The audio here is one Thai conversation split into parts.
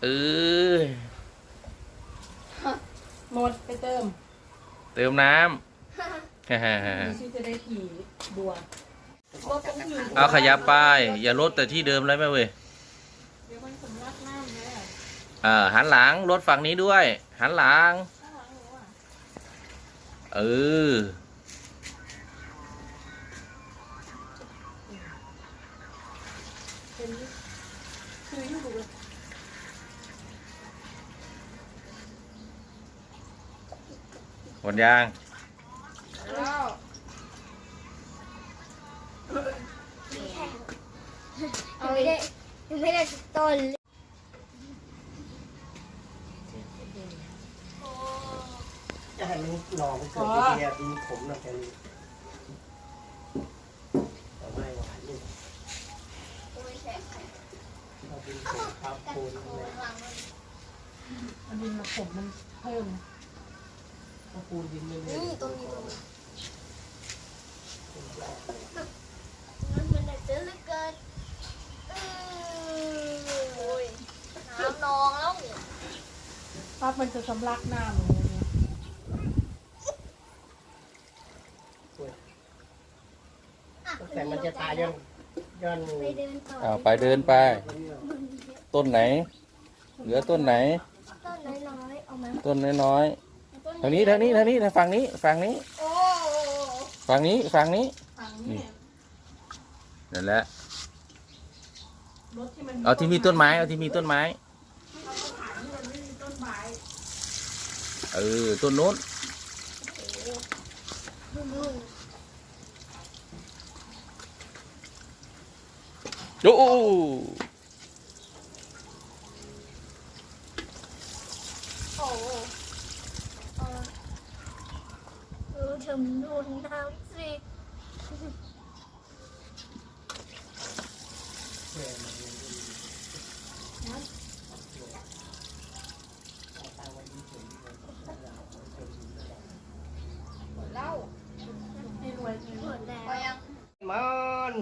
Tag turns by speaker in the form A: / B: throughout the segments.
A: เออ
B: หมดไปเติม
A: น้ำ
B: ดิฉันจะได้ขี่บัวรถต้องขี่
A: เอาขยับไปอย่าลดแต่ที่เดิมเลยแม่เว้ย
B: เดี๋ยวมันสำลักน้ำแล้ว
A: หันหลังรถฝั่งนี้ด้วย หันหลัง
B: ข้างหลังหนูอ่ะ
A: เออ
B: เป็นคืออยู่เลย
A: หมดยาง
B: แล้ว
C: เอาไม่ได้สักต้นเลย
D: จะให้มันหน่อมันเกิดเดียวดินขมหน่อยแค่นี้แต่ไม่หวานนี่เราดินขมครับปูนเลย
B: อันนี้มาผมมันเพิ่ม
D: ถ้าปูนดินไม่เลย
C: นี่ตรงนี้มันได้เจอเหลือเกินโอ้ยน้ำนองแล้ว
B: ปั๊บมันจะสำลักน้ำอย่างเงี้ย
D: แต่มันจะตายย้อน
C: ไปเดินต่อ
A: เอาไปเดินไป ต้นไหน เหลือต้นไหน
C: ต้นน้อยๆเอามา
A: ต้นน้อยๆทางนี้ฝั่งนี้
C: โอ้
A: ฝั่งนี้
B: ฝั่งนี้
A: นั่นแหละ
B: รถที่มัน
A: เอาที่มีต้นไม้ เอาที่มีต้นไม้
B: เราก็ถ่ายที่มันไม่มีต้นไม้
A: เออ ต้นโน้น
C: นู่น
A: โอ้
C: โอ้ชมนู่นน้ำสิ
B: ให้รวย
C: หมดแล้ว
D: มัน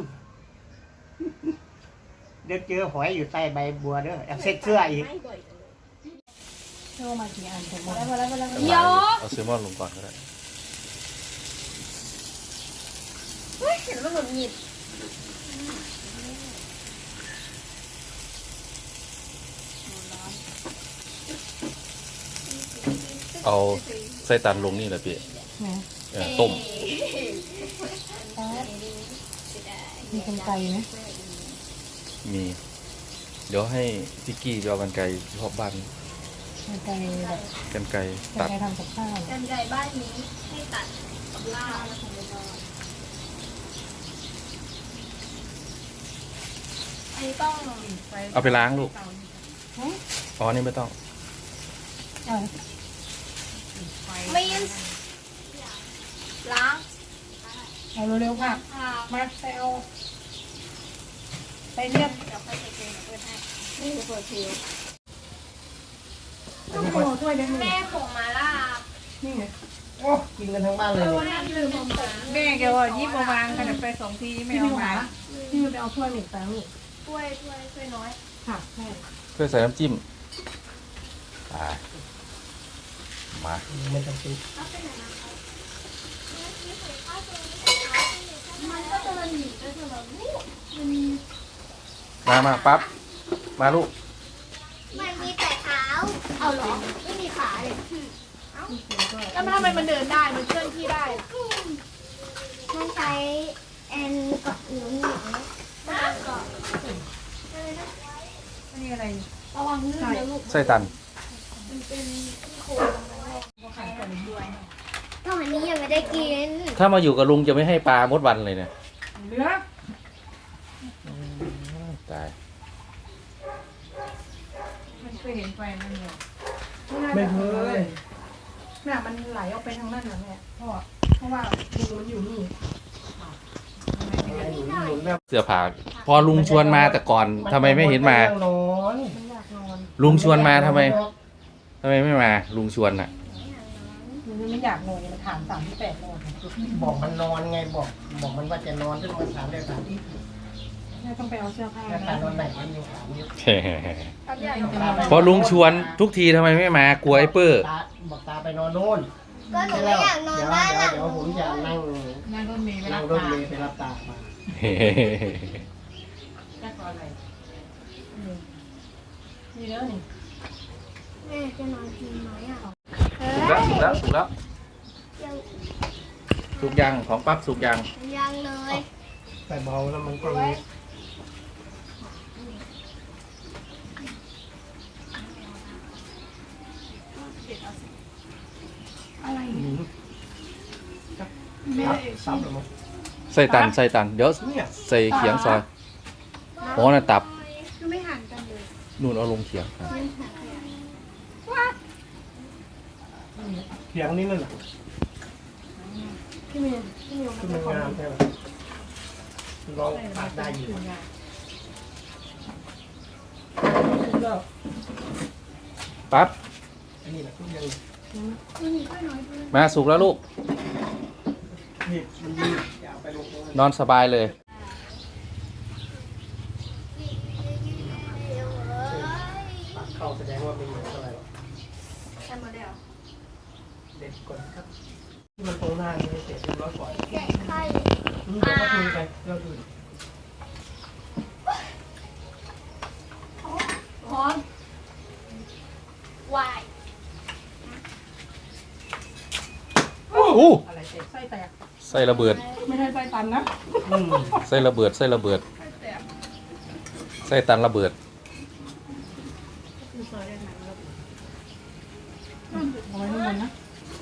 D: เดี๋ยวเจอหอยอยู่ใต้ใบบัวเด้ออยากเซ็ตเสื้ออีก
B: เชื่อมากี่อันผมหมดแล้ว
A: เอาเซลมอนลงก่อนก็ได้
C: เห็นว่าหงุดหงิด
A: เอาไส้ตันลงนี่แหละพี่
B: นะ
A: ต้ม
B: มีกันไกลไหม
A: มี เดี๋ยวให้พี่กี้ไปเอากรรไกรที่พอบบ้าน
B: กันไกลแบบ
A: กรรไกร
B: กัน
A: ตัด
B: ไกลทำกับข้าว
C: กันไก่บ้านนี้ให้ตัดกับลาบแล้วของเราอันนี้ต้อง
A: เอาไปล้างลูก อ๋อ นี่ไม่ต้อง
C: มีนล้าง
B: เอาเร็วๆค่ะมาไปเอาไปเรียบ
C: เดี๋ยวค่อยใส่เกลือเปิดให้นี่เปิดเทว
B: ต้องโผล่ด้วยนะ
C: แม่ผงมาล่า
B: นี่ไง
D: โอ้กินกันทั้งบ้านเลย
C: นั่นลืมผง
B: แม่แกว่ายิบมาวางกันไป2 ทีไม่เอามาพี่ไปเอาถ้วยหนึ่งแป้งลูก
C: ถ้วยน้อย
B: ค่ะแม่
A: เพื่อใส่น้ำจิ้มไปมา
D: ไม่ต้องซื้อ
C: มันก็จะมันหนีก็จะแบบ
A: มาปั๊บ มาลูก
C: มันมีแต่เท้าเอาหรอไม่มีขาเลย
B: แล้วทำไมมันเดินได้มันเคลื่อนที่ได้
C: มันใช้แอนเกาะหนูหนีเกาะ
B: อันนี้อะไร
C: ระวังลื่นนะลูก
A: ไส้ตัน
C: ก็อันนี้ยังไม่ได้กิน
A: ถ้ามาอยู่กับลุงจะไม่ให้ปลามดวันเลยเนี่ย
B: เหลือ
A: ตาย
B: มันเคยเห็นไฟมันเนี่ย
D: ไม่เคย
B: น่ะมันไหลออกไปทางนั้นนะแม่เพราะว่าดูมันอยู่นี่
D: หนุนแบบ
A: เสื้อผ้าพอลุงชวนมาแต่ก่อนทำไมไม่เห็นมา
D: นอน
B: มันอยากนอน
A: ลุงชวนมาทำไมไม่มา ลุงชวนน่ะ
B: มันไม่อยากนอนมันถาม38นอน
D: บอกมันนอนไงบอกมันว่าจะนอนซึ่งมันถามได้ถามที่
B: แม่ต้องไปเอาเสื้อผ้า
D: ถ้า
B: นะ
D: นอนไหนมันยังถามอยู่
B: ถ้า
A: พอลุงชวนทุกทีทำไมไม่มากลัวไอ้เปอร์
D: ตาบอกตาไปนอนโน่น
C: ก็หนูไม่อยากนอนบ้านหลัง
D: เดี๋ยวผมจะนั่ง
B: นั่งรถเมล์ไป
D: นั่
B: รั
D: ง
B: บ
D: รถ
B: ตา
D: เมล์ไปรับตามา
B: แค่ก่อนอะไรนี่เด้อนี่
C: แม่จะนอนกินไหมอ่ะ
A: สุกแล้วสุกแล้ว
C: ยัง
A: สุกยังของปั๊บสุกยัง
C: ยังเลย
D: แต่เบาแล้วมันก็
B: อะไร
D: ซับหรือมั้ง
A: ใส่ตันเดี๋ยว
D: เนี่ย
A: ใส่เขียงซอยอ๋อน่ะตับ
C: คือไม่ห่างกันเลย
A: นู่นเอาลงเขียงครับ
D: เพียงนี้นั่นแหละ
C: พี่เมย์
D: คือมันงามใช่ไหมลองตัดได้อยู่
A: ปั๊บ
D: อันนี้แหละทุกอย่าง
A: มาสุกแล้วลูก
D: นี่มันดีอย่าเอาไปลงตรงนั้น
A: นอนสบายเลย
D: ตัดเข้าแสดงว่าเป็นเหมือนอะไรหรอ
C: ใช่มาแล้ว
D: เด็ดก่อนครับที่มันตรงหน้าไม่เสร็จเรียบร้อยก่อน
C: แกะไข่
D: เดี๋ยวก็คุยไปเรื่องอื่น
C: พร้อมวาย
A: อู้
B: อะไรเจ็บไส้แตก
A: ใส่ระเบิด
B: ไม่ใช่ไส้ตันนะ
A: ใส่ระเบิดใส่ระเบิด
B: ไส้แตก
A: ใส่ตันระเบิด
B: คือซอยได้ไหนแล้วเอาไว้ข้างบนนะ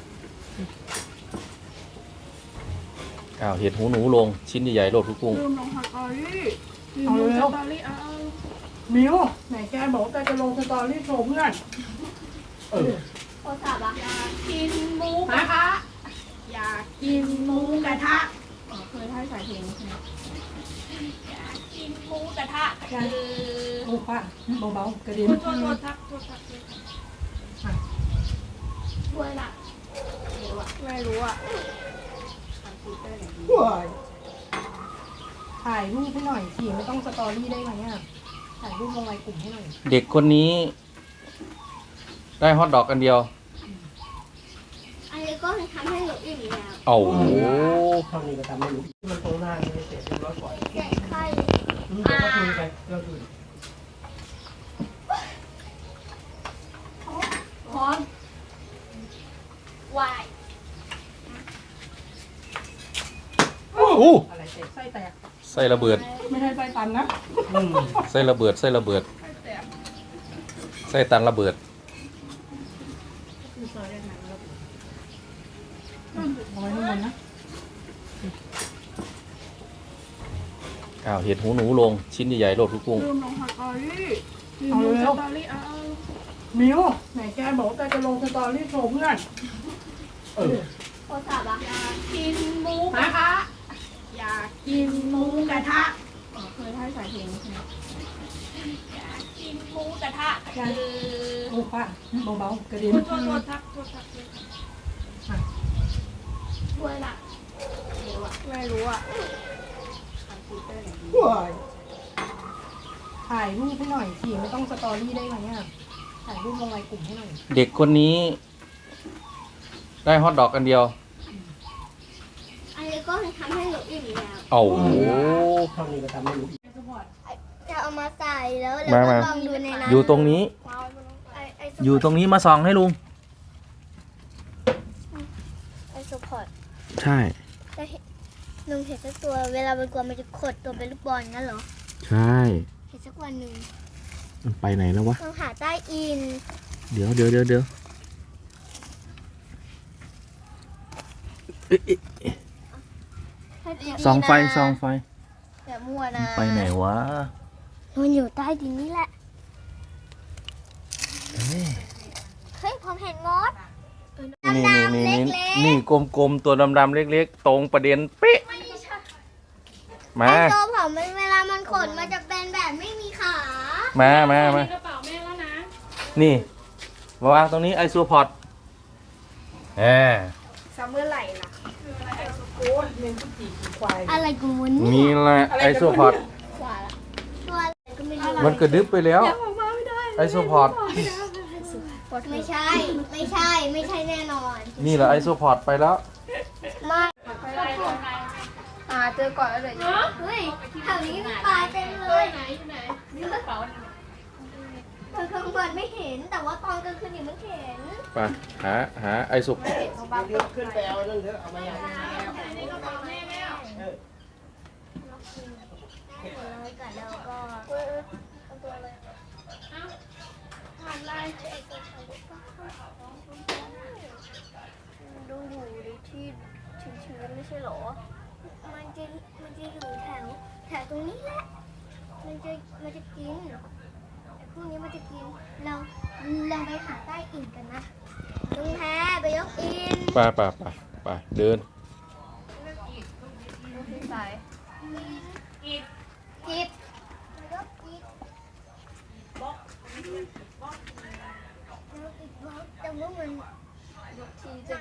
A: อ้าวเห็ดหูหนูลงชิ้นใหญ่ๆโลดทุกกุ้ง
B: ลืมลงสตอรี่เอาเร็วสตอรี่เอามิวไหนแกบอกว่าแกจะลงสตอรี่โชว์เพื่อน
C: โทรศัพท์อ่ะ
B: กินหมูกระทะอยากกินหมูกระทะเคยให้ใส่เพลงใช่ไหมอยากกินหมูกระทะโอ้ป้าเบาๆกระดิ่งโทษทัก
C: ช่วยละไม่รู้อ่ะ
D: ว้าย
B: ถ่ายรูปให้หน่อยสิไม่ต้องสตอรี่ได้ไหมอ่ะถ่ายรูปลงไลน์กลุ่มให้หน่อย
A: เด็กคนนี้ ได้ฮอทดอกอันเดียว
C: อันนี้ก็ทำให้หนูอิ่มแล้ว
A: โอ้โห
D: เท่านี้ก็ทำไม่รู้ที่มันตรงหน้าไม่เสร็จเรียบร้อยก่อน
C: แกะไข่
D: เดี๋ยวก็คุยไปเรื่องอื่น
C: พร้อมวาย
A: อู้
B: อะไรเจ็บไส้แตก
A: ใส่ระเบิด
B: ไม่ใช่ไส้ตันนะ
A: ใส่ระเบิดใส่ระเบิด
B: ไส้แตก
A: ใส่ตันระเบิด
B: คือซอยได้ไหนแล้วเอาไว้ข้างบนนะ
A: อ้าวเห็ดหูหนูลงชิ้นใหญ่ๆโลดทุกกุ้ง
B: ลืมลงสตอรี่เอาเร็วสตอรี่เอามิวไหนแกบอกว่าแกจะลงสตอรี่โชว์เพื่อน
C: โทรศัพท์อ่ะ
B: กินหมูกระทะอยากกินหมูกระทะเคยให้ใส่เพลงใช่ไหมอยากกินหมูกระทะโอ้ป้าเบาๆกระดิ่งโทษทัก
C: ช่วยละไม่รู้อ่ะ
D: ว้าย
B: ถ่ายรูปให้หน่อยสิไม่ต้องสตอรี่ได้ไหมอ่ะถ่ายรูปลงไลน์กลุ่มให้หน่อย
A: เด็กคนนี้ ได้ฮอทดอกอันเดียว
C: อันนี้ก็ทำให้หนูอิ่มแล้ว
A: โอ้โห
D: เท่านี้ก็ทำไม่รู้
C: จะเอามาใส่แล้ว
A: มา
C: ก็
A: มา
C: ลองดูในนั้น
A: อยู่ตรงนี้
C: ไอ้
A: อยู่ตรงนี้มาส่องให้ลุง
C: ไอ้สปอร์ต
A: ใช่
C: จะเห็นหนึ่งเห็นสักตัวเวลามันกลัวมันจะขดตัวเป็นลูกบอลงั้นเหรอ
A: ใช่
C: เห็นสักวันหนึ่ง
A: มันไปไหนแล้ววะ
C: ลองหาใต้อิน
A: เดี๋ยวเอ๊ะ
C: ให้ดีๆนะ
A: ส่องไฟ
C: อย่ามั่วนะ
A: ไปไหนวะ
C: มันอยู่ใต้ดินนี่แหละเฮ้ยผมเห็นมด
A: นี่
C: ดำๆ
A: นี่
C: เล็กๆ
A: นี่กลมๆตัวดำๆเล็กๆ ตรงประเด็นเป๊ะ
C: ไม่ใช่
A: มา
C: ไอ้ตัวผมมันเวลามันขดมันจะเป็นแบบไม่มีขา
A: มา
B: กระเป๋าแม่แล้วนะ
A: นี่มาวางตรงนี้ไอซูพอร์ตแหม
C: ซัมเมอร์ไหลล่ะ
B: โอ้ยเลี้ยงกุจีกี่ควาย
C: อะไรกูมุน
A: นี่แหละไอซูพอร์ต
C: ขวาละตัวอะไรก็ไม่รู้
A: มันกระดึบไปแล้ว
B: ออกมาไม่ได้
A: ไอโซพอร์ต
C: ไม่ใช่ ไม่ใช่ ไม่ใช่แน่นอน
A: นี่แหละไอโซพอร์ตไปแล้ว
C: ไม่
B: เจอก่อนแล้วเลย
C: เฮ้ยแถวนี้มีปลาเต็มเลยตอนกลางวันไม่เห็น แต่ว่าตอนกลางคืนนี่มันเห็น
A: ไปหาไอโซ
D: เดี๋ยวขึ้นไปเอานั่นเถอะเอามาอย่าง
C: แล้วก็ตัวอะไรดูอยู่ในที่ชื้นๆไม่ใช่หรอ มันจะอยู่แถวตรงนี้แหละ มันจะกินไอ้พวกนี้มันจะกิน เราไปหาใต้อิฐกันนะลุงแพไปยกอิน
A: ไปเดิน
B: ใส่
C: อิฐไปยกอิฐบล็อกแต่ว่ามัน
B: ทีจะ